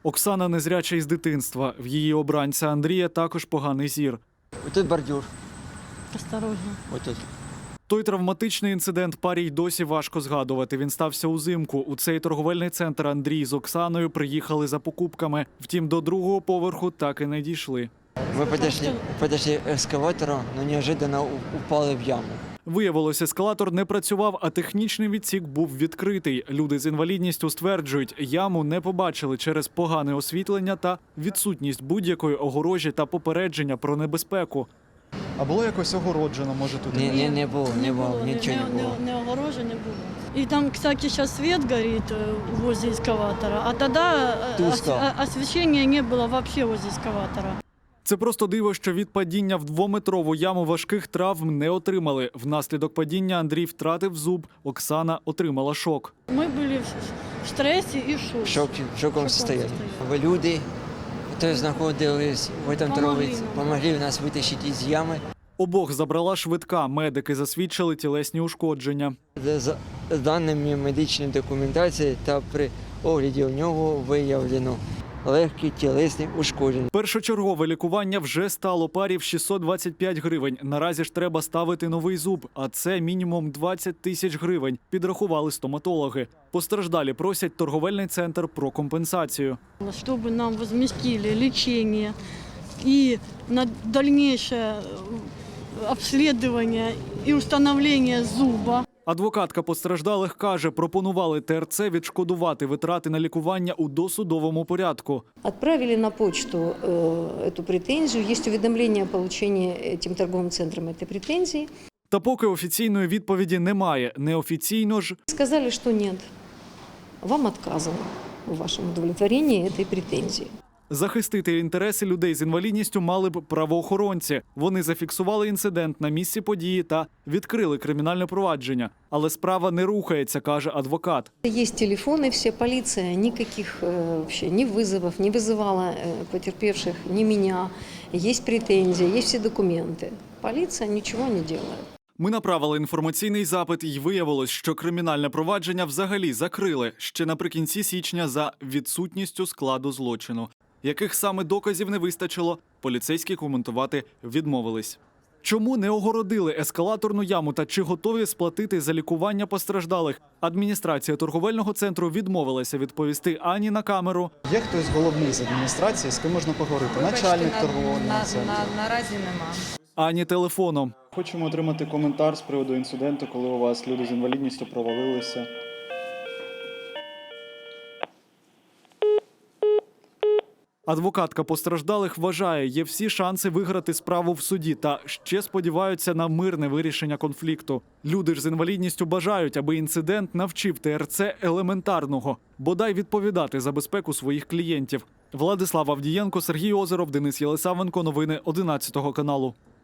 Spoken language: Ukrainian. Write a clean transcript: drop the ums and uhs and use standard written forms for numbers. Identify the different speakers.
Speaker 1: Оксана незряча із дитинства. В її обранця Андрія також поганий зір.
Speaker 2: Ось тут бордюр.
Speaker 3: Осторожно.
Speaker 2: Ось тут.
Speaker 1: Той травматичний інцидент парі й досі важко згадувати. Він стався узимку. У цей торговельний центр Андрій з Оксаною приїхали за покупками. Втім, до другого поверху так і не дійшли.
Speaker 2: Ми підійшли ескалатором, але неожиданно упали в яму.
Speaker 1: Виявилося, ескалатор не працював, а технічний відсік був відкритий. Люди з інвалідністю стверджують, яму не побачили через погане освітлення та відсутність будь-якої огорожі та попередження про небезпеку.
Speaker 4: А було якось огороджено, може, тут?
Speaker 2: Ні, не було, нічого не було.
Speaker 3: Не огорожено было. И там, кстати, сейчас свет горит возле эскаватора, а тогда
Speaker 2: Тускло.
Speaker 3: освещения не было вообще возле эскаватора.
Speaker 1: Це просто диво, що від падіння в 2-метрову яму важких травм не отримали. Внаслідок падіння Андрій втратив зуб, Оксана отримала шок.
Speaker 3: Мы были в стрессе и в шоке.
Speaker 2: В шоковому стані. Ви люди, хто знаходились в цьому торговці, допомогли нас витащити із ями.
Speaker 1: Обох забрала швидка, медики засвідчили тілесні ушкодження.
Speaker 2: За даними медичної документації та при огляді у нього виявлено легкі тілесні ушкодження.
Speaker 1: Першочергове лікування вже стало парі в 625 гривень. Наразі ж треба ставити новий зуб, а це мінімум 20 тисяч гривень, підрахували стоматологи. Постраждалі просять торговельний центр про компенсацію.
Speaker 3: Чтобы нам возместили лечение и на дальнейшее обследование и установление зуба.
Speaker 1: Адвокатка постраждалих каже, пропонували ТРЦ відшкодувати витрати на лікування у досудовому порядку.
Speaker 5: Отправили на почту эту претензию. Есть уведомление о получении этим торговым центром этой претензии.
Speaker 1: Та поки офіційної відповіді немає. Неофіційно ж
Speaker 5: Сказали, что нет. Вам отказано в вашем удовлетворении этой претензии.
Speaker 1: захистити інтереси людей з інвалідністю мали б правоохоронці. Вони зафіксували інцидент на місці події та відкрили кримінальне провадження. Але справа не рухається, каже адвокат.
Speaker 5: Есть телефоны, все, полиция никаких вообще ни вызовов не вызывала потерпевших, ни меня. Есть претензии, есть все документы. Полиция ничего не делает.
Speaker 1: Ми направили інформаційний запит і виявилось, що кримінальне провадження взагалі закрили ще наприкінці січня за відсутністю складу злочину. Яких саме доказів не вистачило, поліцейські коментувати відмовились. Чому не огородили ескалаторну яму та чи готові сплатити за лікування постраждалих? Адміністрація торговельного центру відмовилася відповісти ані на камеру,
Speaker 4: Є хтось головний з адміністрації, з ким можна поговорити? Начальник торгового центру.
Speaker 6: Наразі нема.
Speaker 1: ані телефоном.
Speaker 4: Хочемо отримати коментар з приводу інциденту, коли у вас люди з інвалідністю провалилися.
Speaker 1: Адвокатка постраждалих вважає, є всі шанси виграти справу в суді та ще сподіваються на мирне вирішення конфлікту. Люди ж з інвалідністю бажають, аби інцидент навчив ТРЦ елементарного – бодай відповідати за безпеку своїх клієнтів. Владислав Авдієнко, Сергій Озеров, Денис Єлисавенко. Новини 11 каналу.